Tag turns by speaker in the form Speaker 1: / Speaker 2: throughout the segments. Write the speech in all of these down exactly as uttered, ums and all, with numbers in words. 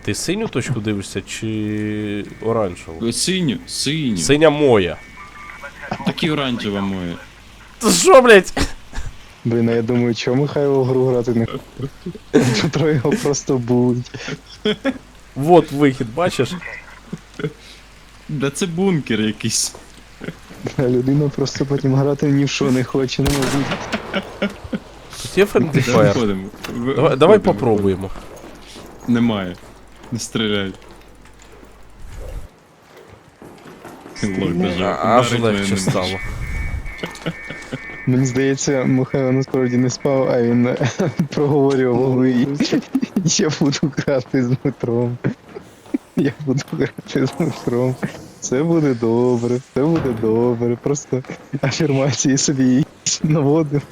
Speaker 1: Ти синю точку дивишся чи оранжеву?
Speaker 2: Синю, синю.
Speaker 1: Синя моя.
Speaker 2: Так і оранжева моя.
Speaker 1: Ти що, блядь?
Speaker 3: Блін, а я думаю, чому Михайло в гру грати не хоче? Петро його просто будуть.
Speaker 1: Вот вихід, бачиш?
Speaker 2: Да це бункер якийсь.
Speaker 3: А людина просто потім грати ні в що не хоче, не мабуть.
Speaker 1: Тут є friendly fire.
Speaker 2: Виходимо. Ви-
Speaker 1: Давай, давай
Speaker 2: виходимо.
Speaker 1: попробуємо.
Speaker 2: Немає. Не стріляй. Лох, даже
Speaker 1: А, аж
Speaker 2: ударить мене
Speaker 1: легче
Speaker 2: не
Speaker 1: стало.
Speaker 2: може.
Speaker 3: Мені здається, Михайло насправді не спав, а він е, проговорював в голові. Я буду грати з Дмитром. Я буду грати з Дмитром. Все буде добре, все буде добре. Просто афірмації собі наводив.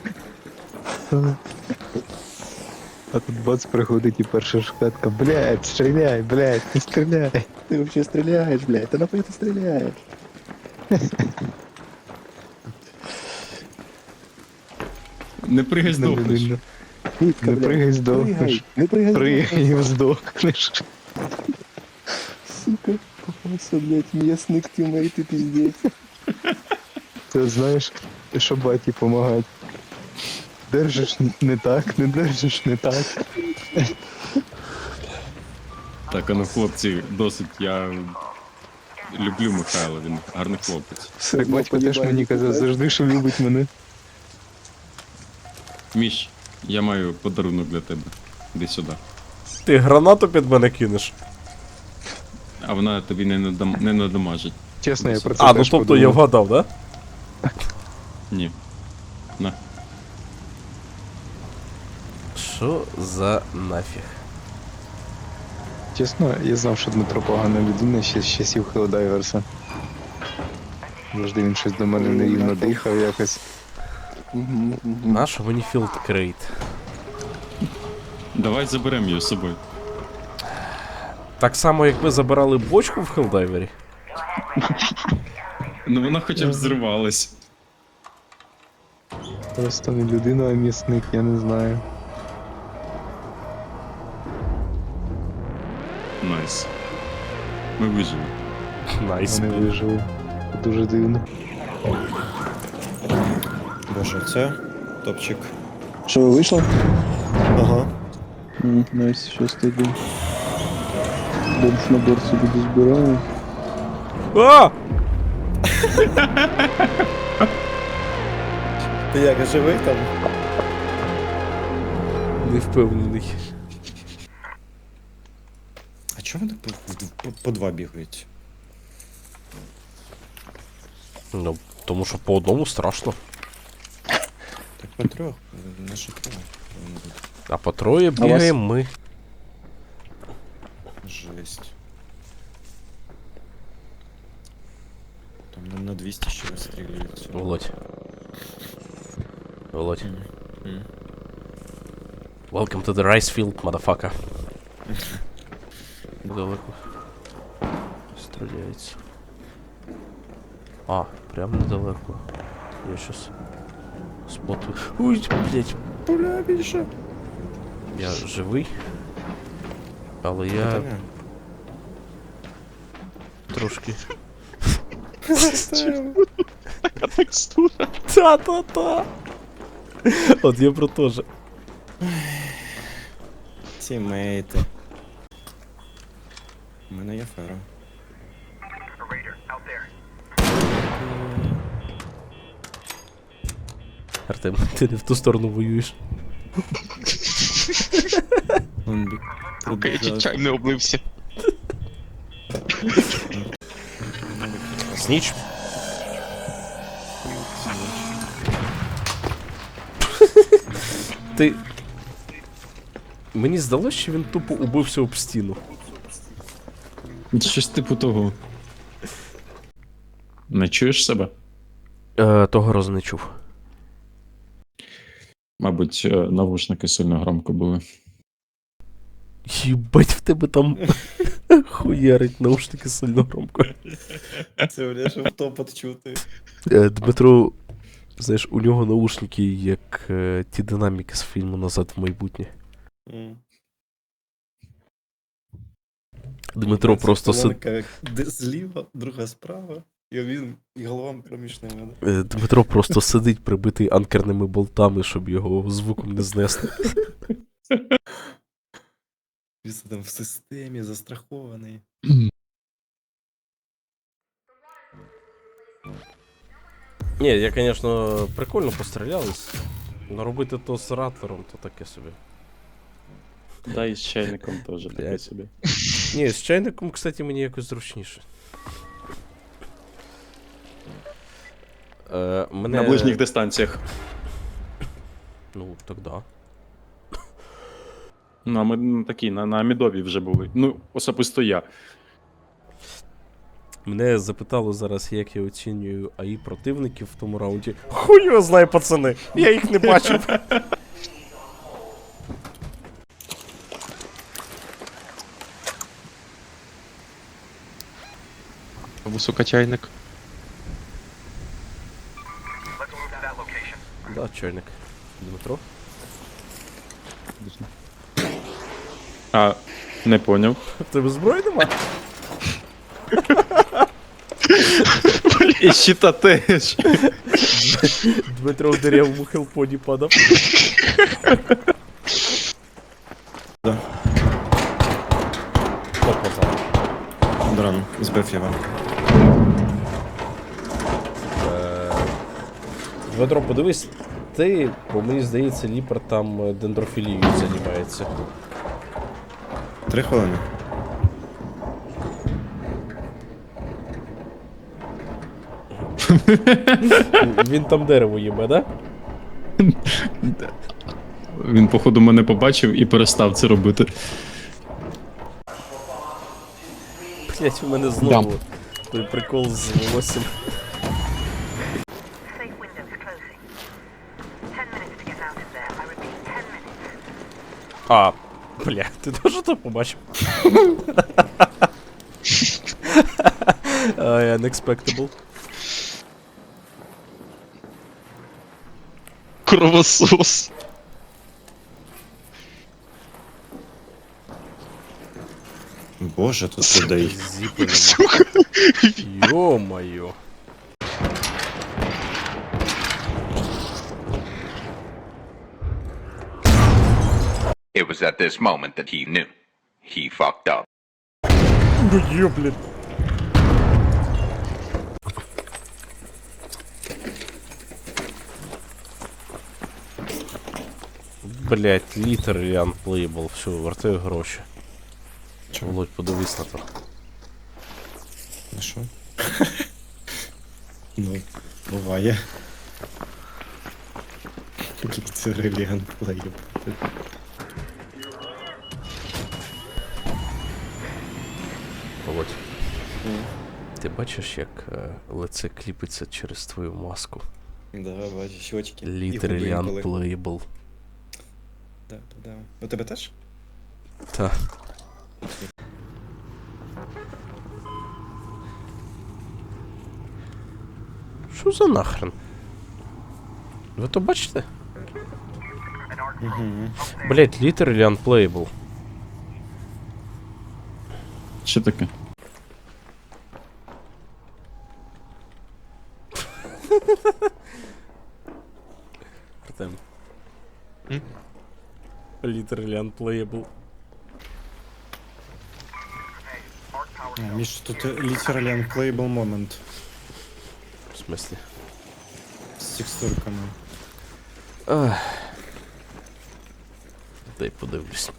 Speaker 3: А тут бац приходить і перша шкатка. Блядь, стріляй, блядь, не стріляй.
Speaker 4: Ты вообще стреляешь, блядь? Ты нахуй ты стреляешь?
Speaker 2: Не пригай здохнеш.
Speaker 3: Не,
Speaker 4: Нитка,
Speaker 3: не
Speaker 4: блядь.
Speaker 3: пригай, здохнеш.
Speaker 4: Прыгай, не прыгай.
Speaker 3: Пригай і здохнеш.
Speaker 4: Сука, попался, блядь, местный тиммейт и пиздец.
Speaker 3: Ти знаєш, що баті помагать. Держиш не так, не держиш не так.
Speaker 2: Так, а ну хлопці, досить, я люблю Михайла, він гарний хлопець.
Speaker 4: Всё
Speaker 3: Так
Speaker 4: равно
Speaker 3: батько теж
Speaker 4: поебали,
Speaker 3: мені казав
Speaker 4: блядь.
Speaker 3: завжди, що любить мене.
Speaker 2: Міш, я маю подарунок для тебе. Іди сюди.
Speaker 1: Ти гранату під мене кинеш?
Speaker 2: А вона тобі не, надам... не надамажить.
Speaker 3: Чесно, я про це
Speaker 1: А, ну
Speaker 3: теж
Speaker 1: тобто я
Speaker 3: подумав.
Speaker 1: вгадав, да?
Speaker 2: Ні. На.
Speaker 1: Що за нафіг?
Speaker 3: Чесно, я знав, що Дмитро погана людина ще з часів Хелдайверса. Завжди він щось до мене нерівно дихав якось.
Speaker 4: Мгм, мгм.
Speaker 1: Нащо мені філд крейт?
Speaker 2: Давай заберемо її з собою.
Speaker 1: Так само, як ми забирали бочку в Хелдайвері?
Speaker 2: Ну вона хоча б зривалась.
Speaker 3: Просто не людина, а м'ясник, я не знаю.
Speaker 2: Найс. Ми вижили.
Speaker 1: Найс.
Speaker 3: Вони вижили. Дуже дивно.
Speaker 5: Боже, це топчик.
Speaker 4: Что, вышло?
Speaker 5: Ага.
Speaker 4: М, Найс, сейчас тогда. Больше набор себе дозбираю.
Speaker 1: А!
Speaker 5: Ти як, живий там?
Speaker 1: Не впевнений.
Speaker 5: А чого вони по, по, по два бігають?
Speaker 1: Ну, тому що по одному страшно.
Speaker 5: Так по трьох, на що троє? повинно бути.
Speaker 1: А по троє бігаємо ми.
Speaker 5: Жесть. Там на, на двісті ще розстрілюють.
Speaker 1: Володь. Володь.
Speaker 5: М.
Speaker 1: Welcome to the rice field, motherfucker. Недалеко. Стріляється. А, прям недалеко. Я щас споту. Ой, блять.
Speaker 5: Бля, більше.
Speaker 1: Я живий. Але
Speaker 5: Я...
Speaker 1: я трошки. Та-та-та. От я про те же.
Speaker 5: Тімейти. У мене є фера.
Speaker 1: Артем, ти не в ту сторону воюєш.
Speaker 6: Сука, я чуть чай не облився.
Speaker 1: Сніч. Ти. Мені здалося, що він тупо убився об стіну.
Speaker 2: Щось типу того. Не чуєш себе?
Speaker 1: Е, того разу не чув.
Speaker 2: Мабуть, е, навушники сильно громко були.
Speaker 1: Єбать, в тебе там хуярить наушники сильно громко.
Speaker 5: Це бля, щоб топот чути.
Speaker 1: Е, Дмитро, знаєш, у нього наушники, як е, ті динаміки з фільму «Назад в майбутнє».
Speaker 5: М.
Speaker 1: Дмитро просто сидить.
Speaker 5: Колонка де зліва, друга справа, і він і голова проміж ними.
Speaker 1: Е, Дмитро просто сидить, прибитий анкерними болтами, щоб його звуком не знести.
Speaker 5: Він там в системі застрахований.
Speaker 1: Ні, я, звісно, прикольно пострілялись. Но робити то з ратлером, то таке собі.
Speaker 6: Да, і з чайником теж таке
Speaker 1: Блядь.
Speaker 6: собі.
Speaker 1: Ні, з чайником, кстати, мені якось зручніше. Е, мене...
Speaker 6: На ближніх дистанціях.
Speaker 1: Ну, так да.
Speaker 6: Ну, а ми на такі, на, на Амідові вже були. Ну, особисто я.
Speaker 1: Мене запитало зараз, як я оцінюю АІ противників в тому раунді. Хуй його знає, пацани! Я їх не бачив.
Speaker 7: Високочайник.
Speaker 1: Да, чайник. Дмитро?
Speaker 6: А, не поняв.
Speaker 1: В тебе зброї нема?
Speaker 6: І щита теж.
Speaker 1: Дмитро в деревому хелподі падав.
Speaker 5: Да.
Speaker 1: Опа, там.
Speaker 5: Дрон, збив його.
Speaker 1: Дмитро, подивись, ти, бо мені здається, Ліпер там е, дендрофілією займається.
Speaker 5: Три хвилини.
Speaker 1: Він там дерево їбе, да?
Speaker 2: Він, походу, мене побачив і перестав це робити.
Speaker 1: Блять, у мене знову той прикол з волоссям.
Speaker 8: Safe windows closing. Ten minutes to get out of there. I repeat, ten minutes.
Speaker 1: А, бля, ти теж то побачив? Ай, unexpectable.
Speaker 7: Кровосос.
Speaker 5: Боже, тут людей.
Speaker 1: Зіпи нема. Йо-моє.
Speaker 9: It was at this moment that he knew. He fucked up.
Speaker 1: Ну є, блін. Блять, літер і unplayable. Все, вертаю гроші.
Speaker 5: Чого?
Speaker 1: Володь, подивись на то.
Speaker 5: Ну що? Ну, буває. Це реліган плеєр.
Speaker 1: Володь. Ти бачиш, як е, лице кліпиться через твою маску?
Speaker 5: Да, бачу, щочки.
Speaker 1: Literally unplayable.
Speaker 5: Да, да. У тебе теж?
Speaker 1: Та. Що за нахрен? Ви то бачите?
Speaker 5: Угу.
Speaker 1: Блять, literally unplayable.
Speaker 2: Що таке?
Speaker 1: Артем.
Speaker 7: М?
Speaker 1: Literally unplayable.
Speaker 5: Міш, тут literally unplayable moment
Speaker 1: В смысле?
Speaker 5: з текстурками.
Speaker 1: Ах. Дай подивлюсь.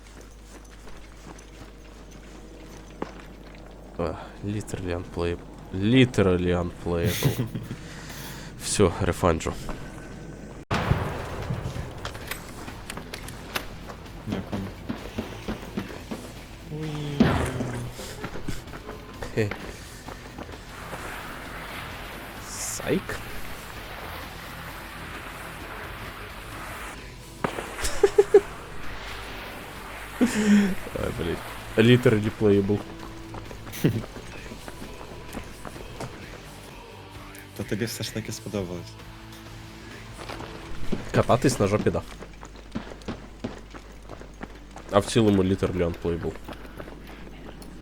Speaker 1: Ах, literally unplayable. Literally unplayable. Все, рефанджу.
Speaker 5: Дякую.
Speaker 1: Хе. Сайк? Ай, блядь. Literally playable.
Speaker 5: То тобі все ж таки сподобалось.
Speaker 1: Кататись на жопі, да. А в цілому literally unplayable.